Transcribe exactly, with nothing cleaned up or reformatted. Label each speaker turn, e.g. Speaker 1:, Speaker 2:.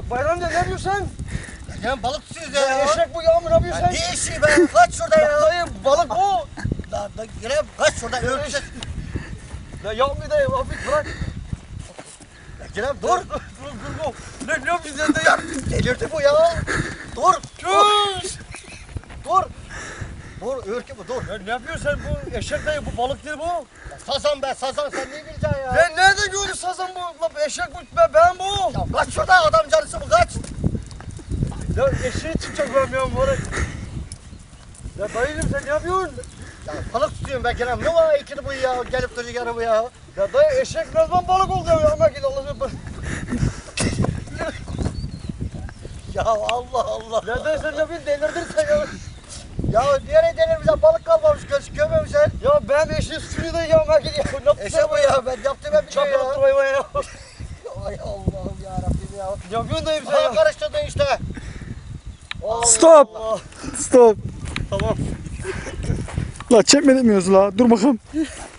Speaker 1: La Bayram ne yapıyorsun sen?
Speaker 2: Ya balık tutuyoruz ya.
Speaker 1: Ya eşek bu ya mı ne yapıyorsun sen?
Speaker 2: Ne eşeği be? Kaç şurada ya.
Speaker 1: Dayı balık bu.
Speaker 2: La da yine kaç şurada örtüşe.
Speaker 1: La yapma dayı hafif bırak.
Speaker 2: Kerem
Speaker 1: Dur
Speaker 2: dur.
Speaker 1: dur dur dur. Ne ne yapıyorsun sen dayı?
Speaker 2: Delirdi bu ya. Dur.
Speaker 1: Dur.
Speaker 2: Dur. Dur ürkü bu dur.
Speaker 1: Ya ne yapıyorsun sen bu eşek dayı bu balık değil bu.
Speaker 2: Ya sazan be sazan sen ne bileceksin ya?
Speaker 1: Ya nerede gördün sazan bu? La eşek bu ben, ben bu.
Speaker 2: Ya kaç şurada adam canısı bu kaç.
Speaker 1: Ya eşeği çıkacak ben ya moruk. Ya dayıcım sen ne yapıyorsun?
Speaker 2: Ya balık tutuyorum ben Kerem. Ne var ikili bu ya gelip duruyor yarı bu ya.
Speaker 1: Ya dayı eşek ne zaman balık oldu ya? Ama git Allah'ım.
Speaker 2: Ya Allah Allah.
Speaker 1: Ya dayı sen ne yapıyorsun? Delirdin sen ya.
Speaker 2: Ya diğer delirmişler balık kalmamış göz görmemişler.
Speaker 1: Ya ben eşeği suçunu da ya. Ama git ya. Ne yaptın
Speaker 2: Eşe bu ya ben yaptım ben bir şey ya.
Speaker 1: Çapraz hayvan ya.
Speaker 2: Ay Allah'ım yarabbim ya.
Speaker 1: Ne yapıyorsun dayım sen
Speaker 2: Bana
Speaker 1: ya?
Speaker 2: karıştırdın işte. Allah
Speaker 3: Stop.
Speaker 2: Allah.
Speaker 3: Stop.
Speaker 1: Tamam.
Speaker 3: La çekme demiyoruz la. Dur bakalım.